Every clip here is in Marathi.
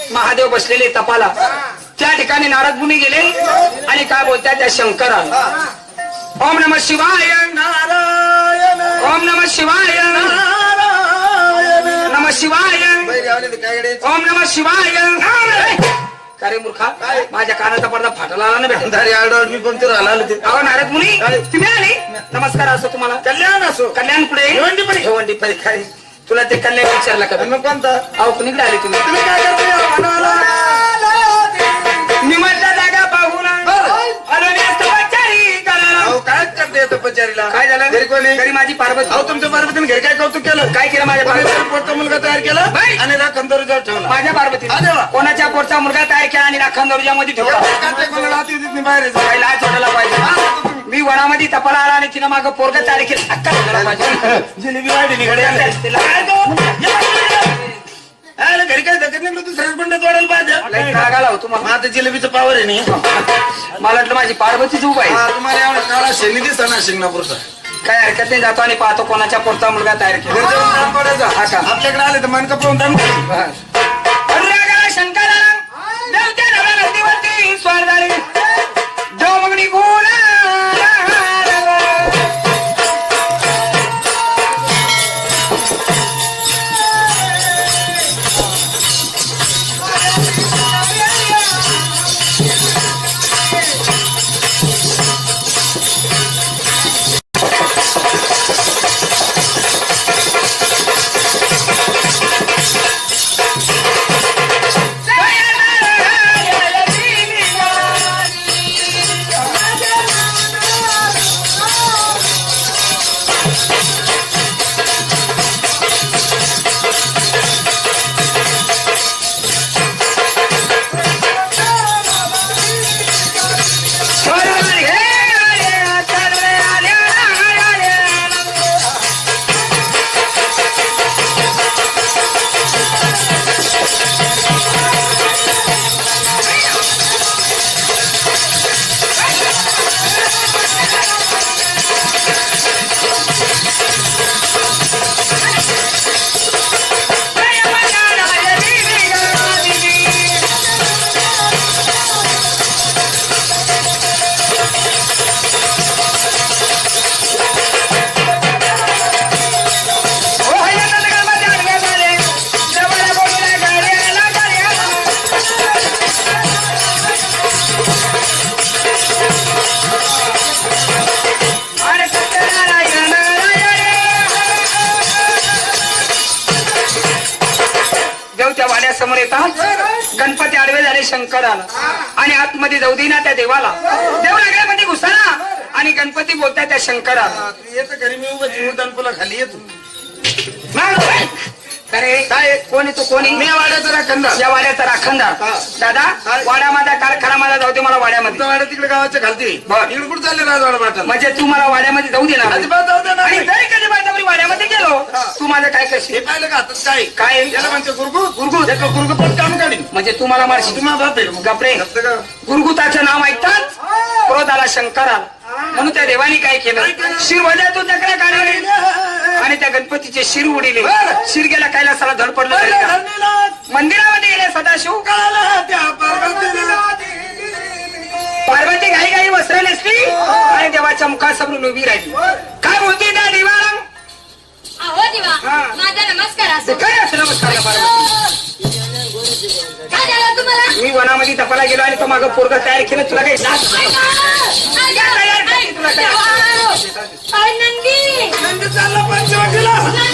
महादेव बसलेले तपाला त्या ठिकाणी नारद मुनी गेले आणि काय बोलतात त्या शंकराला ओम नमः शिवाय नारायण ओम नमः शिवाय नमः शिवाय ओम नमः शिवाय अरे मूर्खा माझ्या कानाचा पडदा फाटला आला ना बेटा मी पण ते राहिला अहो नारद मुनी तुम्ही आले नमस्कार असो तुम्हाला कल्याण असो कल्याण कुठे भिवंडी परीक्षा तुला ते कल्याण विचारला का मग कोणता अहो कुणीकडे आले तुम्ही तुम्ही काय करता निमंत्रण जागा पाहून आलो मी तपश्चरी करायला अहो काय करते तपश्चरीला काय झालं घरी कोणी घरी माझी पार्वती अहो तुमच्या पार्वतीने घरी काय कौतुक केलं काय केलं माझ्या पार्वती पोटचा मुलगा तयार केला आणि राखणदारीवर ठेवला माझ्या पार्वती कोणाच्या पोटचा मुलगा तयार केला आणि राखणदारीच्या मध्ये ठेवला बाहेर काय लाज वाटायला पाहिजे मी वनामध्ये तपाला आला आणि तिनं मागं पोरग तयार केलं अक्का झाला पाहिजे जिलेबी वाढली घरी काय धकत नाही दुसऱ्याच बंडात वाढायला पाहिजे रागाला होतो मला आता जिलेबीचं पावर आहे नाही मला वाटलं माझी पार्वतीच उभा आहे तुम्हाला एवढा काळा शेणी दिसता ना शिंगणापूरचा काय हरकत नाही जातो आणि पाहतो कोणाच्या पोटचा मुलगा तयार केला हा का आपल्याकडे आले तर मनका पाहून शंकरा देवत्या नवरा नदीवरती स्वार झाले देव मगनी गुण समोर येतात गणपती आडवे झाले शंकराला आणि आतमध्ये जाऊ दे ना त्या देवाला देव नगरामध्ये घुसला आणि गणपती बोलतात त्या शंकराला येतं घरी मी उभं पुला खाली येतो अरे काय कोणी तू कोणी मी वाड्याचा राखणदार या वाड्याचा राखणदार दादा वाडा माझा कारखाना माझा जाऊ दे मला वाड्यामध्ये वाड्या तिकडे गावाच्या खालती इकडे कुठे चालले राजवाडा पाठा म्हणजे तू मला वाड्यामध्ये जाऊ देणार अजिबात जाऊ दे ना आणि जरी कधी माझ्या वाड्यामध्ये गेलो तू माझं काय करशील हे पाहिलं का हातात काय काय याला म्हणते गुरगुत पण काम काढीन म्हणजे तू मला मारशील तुम्हाला बाप आहे गपरे गुरगुताचं नाव ऐकतात क्रोधाला शंकराला म्हणून त्या देवानी काय केलं शिरवल्यातून चक्र काढले आणि त्या गणपतीचे शिर उडिले शिर गेला कैलासाला धड पडलं मंदिरामध्ये गेले सदाशिव पार्वती घाई घाई वस्त्र नेसली आणि देवाच्या मुखासमोरून उभी राहिली काय बोलते त्या देवाला अहो देवा माझा नमस्कार असो काय असं नमस्कार काय झालं तुम्हाला मी वनामध्ये तपाला गेलो आणि तो मागं पोरगा तयार केलं तुला काही नंदी चालला पंचवटीला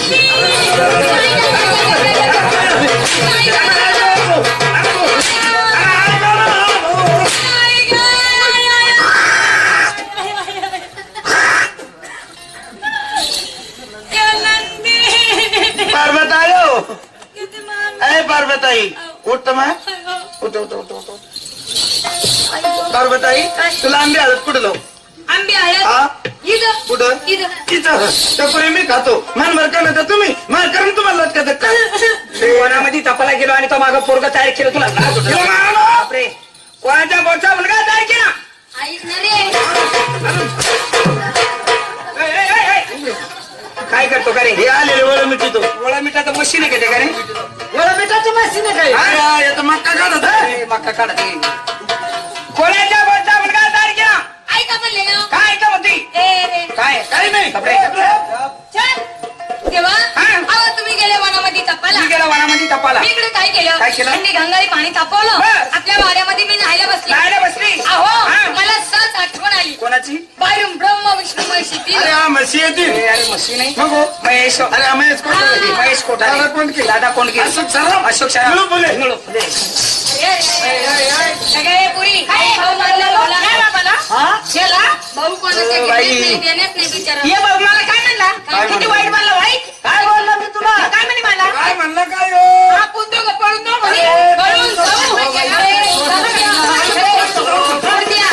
पार्वतायो अरे पार्वताई उठ उठ उठ उठ उठ पार्वताई तुला आंबे हळद कुठे लावू आंबे हळद कुठं तिथं टपोरी मी खातो मन का ना तुम्ही मन करून तुम्हाला वनामध्ये तपाला गेलो आणि तो मागं पोरगा तयार केलं तुला बापरे कोणाच्या बोटचा मुलगा तयार केला काय करतो का रे हे आलेले वळ मिठीतो वळा मिठाचं मशीन आहे का ते का रे वळ मिठाचं मशीन आहे काय येतं मक्का काढत आहे. मका काढते कोणाच्या बोलता मुलगा तारख्या ऐका म्हणले ना काय का म्हणती ए रे काय काही नाही. कपडे चल देवा हा. अहो तुम्ही गेले वनामध्ये तपाला मी गेला वनामध्ये तपाला मी इकडे काय काय केलं? थंडी गंगाळी पाणी तापवलं बस. आपल्या वाड्यामध्ये मी न्हायला बसले राहायला बसली अहो हा. मला सहज आठवण आली कोणाची बाहेरून ब्रह्म विष्णू महेशी तीन. अरे हा म्हशी येतील. अरे मशी नाही मग हो. महेश अरे हा महेश कोण? महेश कोठारे दादा कोंडके. दादा कोंडके अशोक सराफ. अशोक सराफ. निळू फुले. निळू फुले. सगळे पुरी भाऊ मानला बोला भाऊ कोणाच्या बाई. देण्यात नाही बिचारा ये बाबा मला काय म्हणला काय किती म्हणला? वाईट म्हणला वाईट काय बोलला मी तुला काय म्हणे मला काय म्हणलं काय हो? आपण दोघं पळून जाऊ म्हणे. पळून जाऊ. पळून द्या.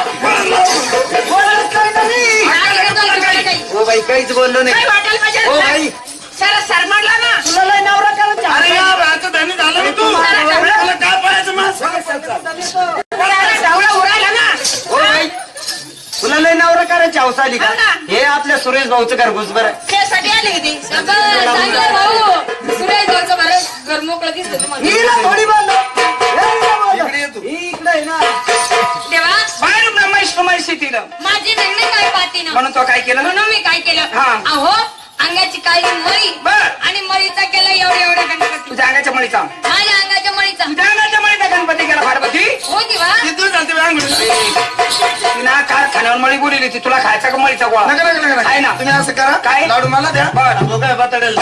बोलत काय नाही. काय करतो तुम्हाला काही? हो बाई काहीच बोललो नाही. काय वाटायला पाहिजे हो बाई. सारा सरमाडला ना तुला लय नवरा करायचा अरे या राहतं धनी झालं ना तू. तुला काय पाहायचं मग? सावळा उरायला ना हो बाई तुला लय नवरा करायची हौस आली का? हो ना. हे आपल्या सुरेश भाऊचं घरघुस बरं. त्यासाठी आले होते सगळं चांगलं भाऊ. सुरेश भाऊचं बरं घर मोकळं दिसतं तुम्हाला. हिला थोडी बोललो इकडे ये तू. इकडे आहे ना देवा बाहेर ब्रह्मेश तिनं माझी नंदी काय पाहते ना म्हणून तो काय केलं म्हणून मी काय केलं हा. अहो अंगाची काळी मळी बर. आणि मळीचा केला एवढ्या गणपती तुझ्या अंगाच्या मळीचा माझ्या अंगाच्या मळीचा तुझ्या अंगाच्या मळीचा गणपती गेला पार्वती हो देवा किती झालते अंगठी? तिना कारखान्यावर मळी बोलली ती तुला खायचा का मळीचा गोळा नका आहे ना तुम्ही असं करा काय? लाडू मला द्या. बरं. तो काय बताडेल.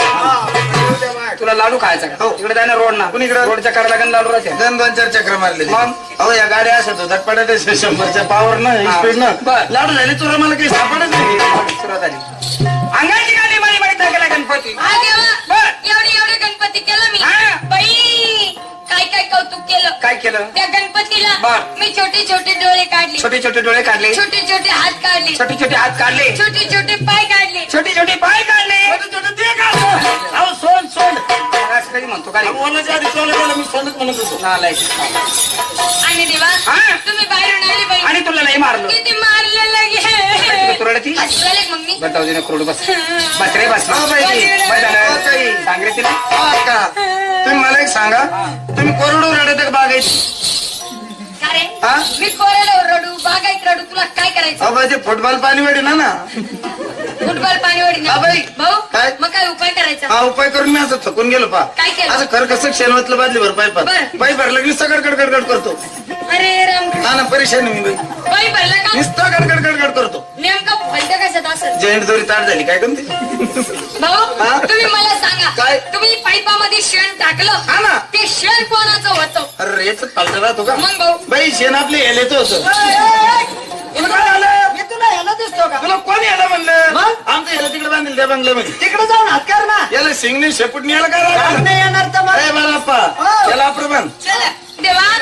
तुला लाडू खायचा का हो. तिकडे जाय ना रोड ना कुणीकडे? रोडच्या कडेला गण लाडू राहते गण 2-4 चक्र मारले. मग? अहो या गाड्या असत होतात पडत 100च्या पावर न हा. स्पीड न बर. लाडू झाले तुला मला काही सापडत नाही. सुरुवात झाली अंगाची गाडी मळी मळीचा गेला गणपती हा देवा बर. एवढे गणपती केलं मी हा. बाई काय काय कौतुक केलं काय केलं त्या गणपतीला बर. मी छोटे छोटे डोळे काढले छोटे छोटे डोळे काढले छोटे छोटे हात काढले छोटे छोटे हात काढले छोटे छोटे पाय काढले छोटे छोटे पाय काढले छोटे ते का? अहो सोड सोड. असं कधी म्हणतो काय बोलायच्या आधी सोडलं गेलं मी सोडत म्हणत होतो. नालायक. आणि देवा हा. तुम्ही बाहेरून आले बाई आणि तुला नाही मारलं किती मारलं तुला लगे तुरडती हसवाले मग मी बताव दे ना क्रोड बस बस रे बस हा, बाई. बस झालं. हा, ताई. सांग रे तिला हा का? तुम्ही मला एक सांगा तुम्ही कोरडू रडत का बागायची? का रे हा? मी कोरडो रडू बागायत रडू तुला काय करायचं अहो बाई ते फुटबॉल पाणी वेडी ना फुटबॉल पाणी ओढी हा, बाई. भाऊ काय? मग काय उपाय करायचा हा उपाय करून मी असं थकून गेलो पा काय केलं? असं खर कसं शेणवतलं बादली भर पाईपात बरं. पाईप भरलं की नुसतं गडगड करतो. अरे राम हा ना परेशान आहे मी बाई बाई भरला का नुसतं गडगड करतो. नेमकं फलट कशात असेल जैंट दोरी ताट झाली काय कोणती? भाऊ हा? तुम्ही मला सांगा काय? तुम्ही पाईपामध्ये शेण टाकलं हा ना. ते शेण कोणाचं होतं अरे याच पालट राहतो का? मग भाऊ बाई शेण आपले हेलेच होतं. मी तुला याला दिसतो का तुला कोण याला म्हणलं? मग? आमचं याला तिकडे बांधेल त्या बंगल्यामध्ये. तिकडे जाऊन हात कर ना याला सिंगने शेपूट याला काय काम राहिलं? नाही येणार तर मग अरे बाळाप्पा हो. याला प्रमाण चला देवा